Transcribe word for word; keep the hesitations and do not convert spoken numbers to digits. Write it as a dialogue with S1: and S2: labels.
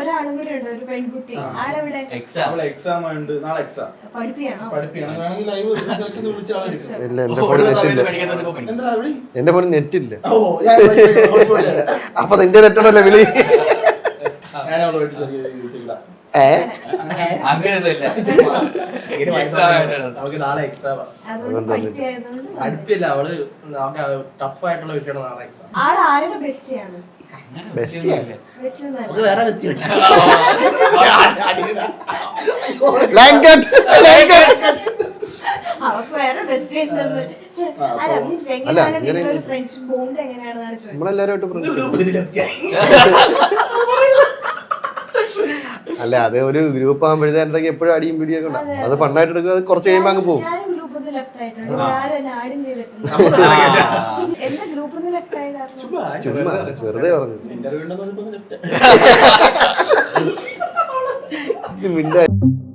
S1: ഒരാളും കൂടെ ഉണ്ട്, ഒരു പെൺകുട്ടി. ആളെവിടെ?
S2: എക്സാം ഉണ്ട്, നാളെ എക്സാം.
S1: പഠിപ്പിയാണോ?
S2: പഠിപ്പിയാണെങ്കിൽ ലൈവ് വിളിച്ച ആളെടുക്കും.
S3: ഇല്ല, എന്റെ ഫോണിൽ നെറ്റില്ല. എന്റെ ഫോണിൽ നെറ്റില്ല. അപ്പൊ നിന്റെ നെറ്റോടല്ലേ വിളി.
S2: ഞാൻ അവളുമായിട്ട് ചെറിയ രീതിയിലുള്ള അവൾക്ക് നാളെ എക്സാം. അടുപ്പില്ല, അവള് ടഫ് ആയിട്ടുള്ള വിഷയമാണ് നാളെ എക്സാം.
S1: ആള് ആരുടെ ബെസ്റ്റിയാണ്?
S2: വേറെ ബെസ്റ്റ്
S1: അവർക്ക് വേറെ ബെസ്റ്റ് ഉണ്ടെന്ന്. അല്ല, മീൻസ് എങ്ങനെയാണ് നിങ്ങളൊരു ഫ്രണ്ട്ഷിപ്പ് ബോണ്ട് എങ്ങനെയാണെന്നാണ് ചോദിച്ചത്.
S3: നമ്മളെല്ലാരും അല്ല, അത് ഒരു ഗ്രൂപ്പ് ആകുമ്പോഴത്തേക്ക് എപ്പോഴും അടിയും പിടിയൊക്കെ ഉണ്ടാവും. അത് ഫണ്ണായിട്ട് എടുക്കുക, അത് കുറച്ച് കഴിയുമ്പോൾ അങ്ങ് പോകും. ചുമ്മാ വെറുതെ പറഞ്ഞു.